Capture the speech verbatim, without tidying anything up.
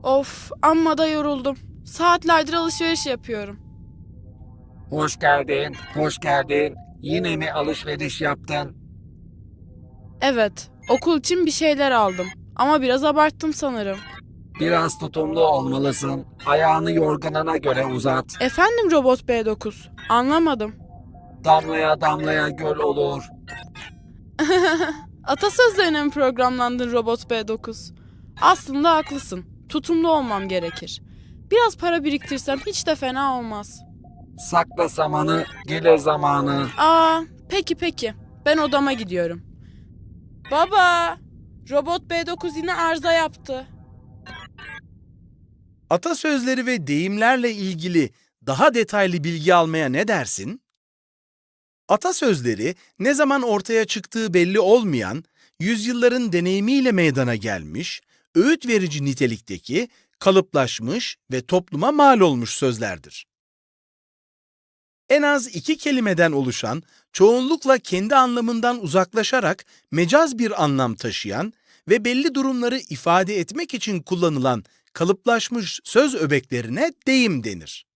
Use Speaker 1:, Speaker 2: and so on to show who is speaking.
Speaker 1: Of, amma da yoruldum. Saatlerdir alışveriş yapıyorum.
Speaker 2: Hoş geldin, hoş geldin. Yine mi alışveriş yaptın?
Speaker 1: Evet, okul için bir şeyler aldım. Ama biraz abarttım sanırım.
Speaker 2: Biraz tutumlu olmalısın. Ayağını yorganına göre uzat.
Speaker 1: Efendim Robot B dokuz, anlamadım.
Speaker 2: Damlaya damlaya göl olur.
Speaker 1: Atasözlerine mi programlandın Robot B dokuz? Aslında haklısın. Tutumlu olmam gerekir. Biraz para biriktirsem hiç de fena olmaz.
Speaker 2: Sakla samanı, gelir zamanı.
Speaker 1: Aa, peki peki. Ben odama gidiyorum. Baba, Robot B dokuz yine arıza yaptı.
Speaker 3: Atasözleri ve deyimlerle ilgili daha detaylı bilgi almaya ne dersin? Atasözleri ne zaman ortaya çıktığı belli olmayan, yüzyılların deneyimiyle meydana gelmiş, öğüt verici nitelikteki, kalıplaşmış ve topluma mal olmuş sözlerdir. En az iki kelimeden oluşan, çoğunlukla kendi anlamından uzaklaşarak mecaz bir anlam taşıyan ve belli durumları ifade etmek için kullanılan kalıplaşmış söz öbeklerine deyim denir.